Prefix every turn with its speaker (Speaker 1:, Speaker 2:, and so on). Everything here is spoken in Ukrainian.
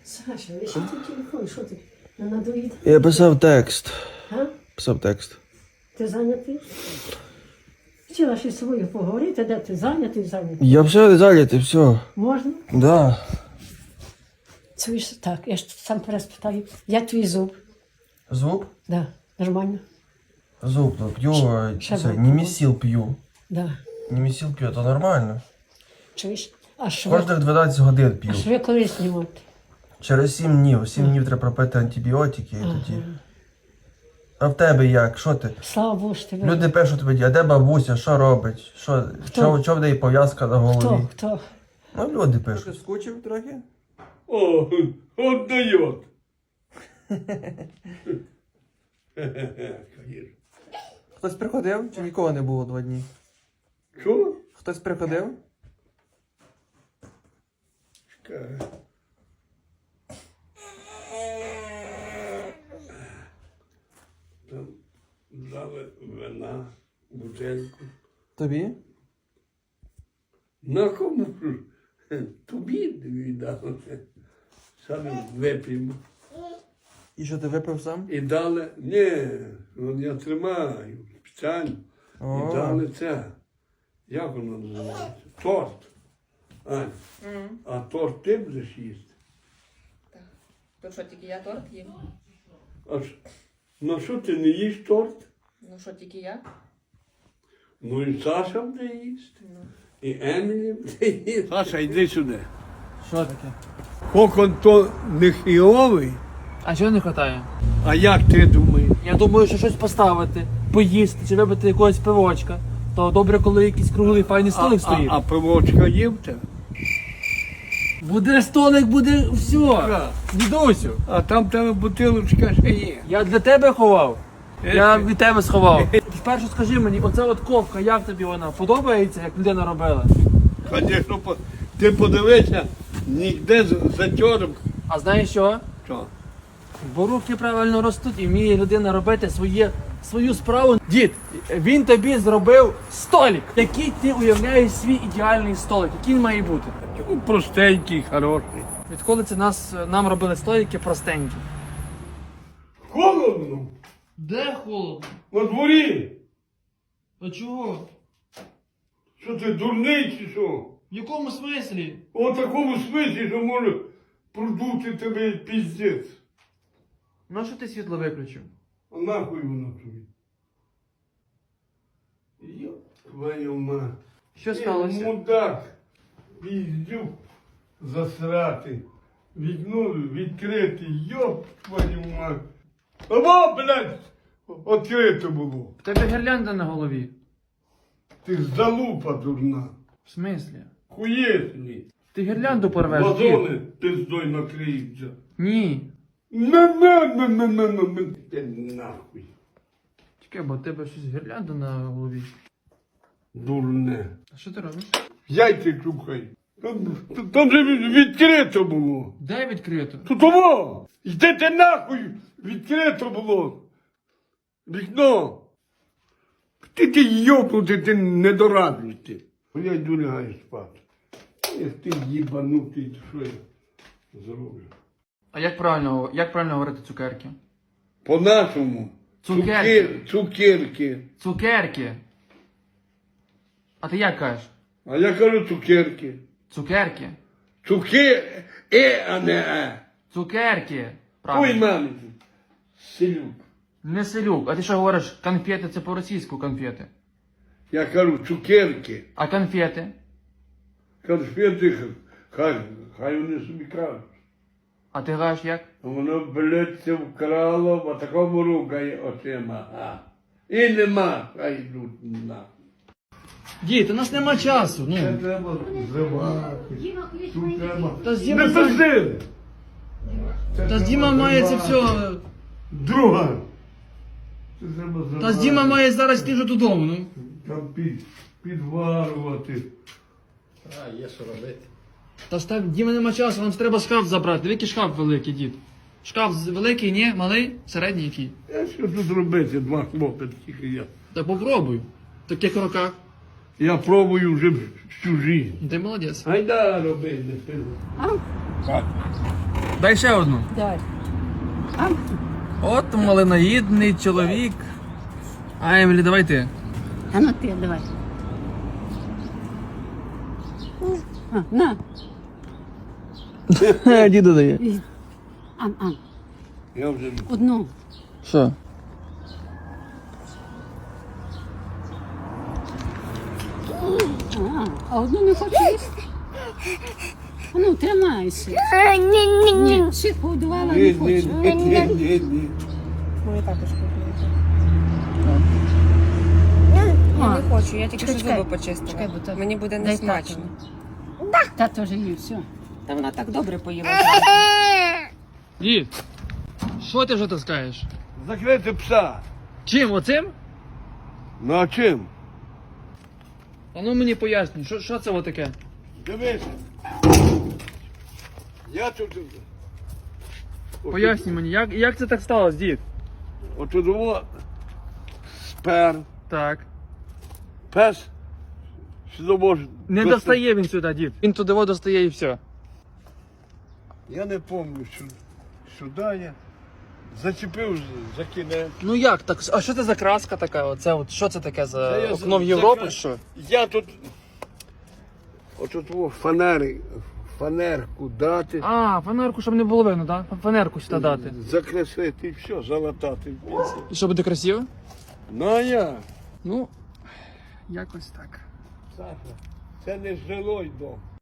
Speaker 1: Саша, а що ти телефон? Що ти? Не надоїд?
Speaker 2: Я писав текст.
Speaker 1: А?
Speaker 2: Писав текст.
Speaker 1: Ти зайнятий? Хотіла ще з собою поговорити, де ти зайнятий?
Speaker 2: Я все зайнятий, все.
Speaker 1: Можна?
Speaker 2: Да.
Speaker 1: Це ж так, я ж сам переспитаю. Як твій зуб?
Speaker 2: Зуб?
Speaker 1: Да, нормально?
Speaker 2: Зуб, ну, п'ю,
Speaker 1: Ще
Speaker 2: це,
Speaker 1: вип'ю.
Speaker 2: німесіл п'ю.
Speaker 1: Да.
Speaker 2: Німесіл п'ю, то нормально.
Speaker 1: Чуєш? А шви,
Speaker 2: Кожних 12 годин п'ю.
Speaker 1: а шви коли знімати?
Speaker 2: Через 7 днів. 7 днів треба пропити антибіотики і тоді. А в тебе як? Що ти?
Speaker 1: Слава Богу, що тебе.
Speaker 2: Люди пишуть тобі, а де бабуся, що робить? Що в неї пов'язка на голові?
Speaker 1: Хто?
Speaker 2: Ну, люди пишуть. Ти скучив трохи?
Speaker 3: О, отдает.
Speaker 2: Хтось приходив чи нікого не було 2 дні?
Speaker 3: Що?
Speaker 2: Хтось приходив?
Speaker 3: Там дали вина, бутельку.
Speaker 2: Тобі?
Speaker 3: На кому ж? Тобі віддали. Саме вип'ємо.
Speaker 2: І що ти випив сам?
Speaker 3: І дали, ні, ну, я тримаю спеціально.
Speaker 2: О.
Speaker 3: І дали це. Як воно називається? Торт. Ань, а торт ти будеш їсти?
Speaker 4: Так. То що, тільки я торт їм?
Speaker 3: А ну що ти не їш торт?
Speaker 4: Ну що, тільки я?
Speaker 3: Ну і Саша буде їсти. І Емілі буде їсти. Саша, йди сюди.
Speaker 2: Що таке?
Speaker 3: Кокон то не хіовий,
Speaker 5: А чого не вистачає?
Speaker 3: а як ти думаєш?
Speaker 5: Я думаю, що щось поставити, поїсти чи випити якогось пивочка. То добре, коли якийсь круглий файний столик стоїть.
Speaker 3: А пивочка є в тебе?
Speaker 5: Буде столик, буде все. Дідусю,
Speaker 3: А там в тебе бутилочка ще є.
Speaker 5: я для тебе ховав. Я від тебе сховав. Спершу скажи мені, оця от ковка, як тобі вона? Подобається, як людина робила?
Speaker 3: Звісно, ти подивися, ніде затьором.
Speaker 5: А знаєш що?
Speaker 3: Що?
Speaker 5: Бо руки правильно ростуть і вміє людина робити свою справу. Дід, він тобі зробив столик. Який ти уявляєш свій ідеальний столик? Який він має бути?
Speaker 3: Ну, простенький, хороший.
Speaker 5: Відколи це нам робили столики простенькі?
Speaker 3: Холодно?
Speaker 5: Де холодно?
Speaker 3: На дворі?
Speaker 5: А чого?
Speaker 3: Що ти дурний чи що?
Speaker 5: В якому смислі?
Speaker 3: У такому смислі, що може продути тебе піздець.
Speaker 5: Ну що ти світло виключив?
Speaker 3: А нахуй воно тобі? Йоп, твою мать.
Speaker 5: Що сталося?
Speaker 3: Мудак, піздюк засрати. Вікно відкрите, йоп, твою мать. Або, блядь, відкрито було.
Speaker 5: В тебе гірлянда на голові.
Speaker 3: Ти ж залупа дурна.
Speaker 5: В смислі?
Speaker 3: Хуєсні.
Speaker 5: Ти гірлянду порвеш?
Speaker 3: Вазони
Speaker 5: дід?
Speaker 3: пиздой накриються.
Speaker 5: Ні.
Speaker 3: На. Ти нахуй.
Speaker 5: Чекай, бо в тебе щось гірлянда на голові.
Speaker 3: Дурне.
Speaker 5: А що ти робиш?
Speaker 3: Яйця чухай. Там же відкрито було.
Speaker 5: Де відкрито?
Speaker 3: Тут того! Йдете нахуй! Відкрито було! Вікно! Ти йопнути, ти недоразвитий. Я йду лягаю спати. Як ти їбанутий, що я зроблю?
Speaker 5: А як правильно говорити цукерки?
Speaker 3: По-нашому.
Speaker 5: Цукерки.
Speaker 3: Цукерки.
Speaker 5: Цукерки. А ти як кажеш?
Speaker 3: А я кажу цукерки.
Speaker 5: Цукерки.
Speaker 3: А не е.
Speaker 5: Цукерки.
Speaker 3: Ой,
Speaker 5: Правильно.
Speaker 3: мамі. Селюк.
Speaker 5: Не селюк. А ти що говориш? Конфети це по-російську конфети.
Speaker 3: Я кажу цукерки.
Speaker 5: А конфети?
Speaker 3: Конфети, хай вони собі кажуть.
Speaker 5: А ти кажеш як?
Speaker 3: А воно, блядь, це вкрало, а такому рукає очима. А. І нема, хай йдуть на.
Speaker 5: Дід, у нас нема часу.
Speaker 3: Це
Speaker 5: Ну.
Speaker 3: треба зривати. Тут треба.
Speaker 5: Та з
Speaker 3: Не
Speaker 5: Діма,
Speaker 3: пизди!
Speaker 5: та з Діма має це все.
Speaker 3: Друга. Це треба зривати.
Speaker 5: Та з Діма має зараз йти вже додому. Ну.
Speaker 3: Там підварувати.
Speaker 5: Та ж так, Діма нема часу, нам треба шкаф забрати. Диви, який шкаф великий, дід. Шкаф великий, ні? Малий? Середній який?
Speaker 3: А що тут робити, два хлопці, тільки я.
Speaker 5: Та попробуй. В таких роках.
Speaker 3: Я пробую вже всю жизнь.
Speaker 5: Ти молодець.
Speaker 3: Гайда роби, не пиво.
Speaker 5: Дай ще одну.
Speaker 1: Давай.
Speaker 5: От малиноїдний чоловік. А, Емілі, давай ти.
Speaker 1: А ну ти, давай. На.
Speaker 5: Діду дає.
Speaker 1: Ан.
Speaker 3: Я вже
Speaker 1: Одну.
Speaker 5: Що?
Speaker 1: А одну не хочу їсти. А ну, тримайся. Ні, всіх погодувала, не хочу.
Speaker 3: ні.
Speaker 4: Мої також купують.
Speaker 1: А,
Speaker 4: Я не хочу, я тільки що
Speaker 1: чекай,
Speaker 4: зуби почистила.
Speaker 1: чекай, бо то-
Speaker 4: Мені буде
Speaker 1: дай
Speaker 4: несмачно.
Speaker 1: Тато вже їв, все.
Speaker 4: Та вона так добре поїла.
Speaker 5: Дід, що ти вже таскаєш?
Speaker 3: Закрити пса.
Speaker 5: Чим, оцим?
Speaker 3: Ну а чим?
Speaker 5: А ну мені поясни, що це таке?
Speaker 3: Дивися. Я тут.
Speaker 5: Поясни мені, як це так сталося, дід?
Speaker 3: Отут його спер.
Speaker 5: Так.
Speaker 3: Пес. Сюди може.
Speaker 5: Не достає він сюди, дід. Він туди достає і все.
Speaker 3: Я не пам'ятаю, що сюди я зачепив за кінець.
Speaker 5: Ну як так? А що це за краска така? Оце от що це таке за
Speaker 3: Це я
Speaker 5: окно в
Speaker 3: за-
Speaker 5: Європу?
Speaker 3: за-
Speaker 5: Що?
Speaker 3: Я тут. Отут фанерку дати.
Speaker 5: А, фанерку, щоб не було видно, так? Фанерку сюди дати.
Speaker 3: Закрасити і все, залатати.
Speaker 5: І що буде красиво?
Speaker 3: Ну а я.
Speaker 5: Ну, якось так.
Speaker 3: Саша, це не жилой дом.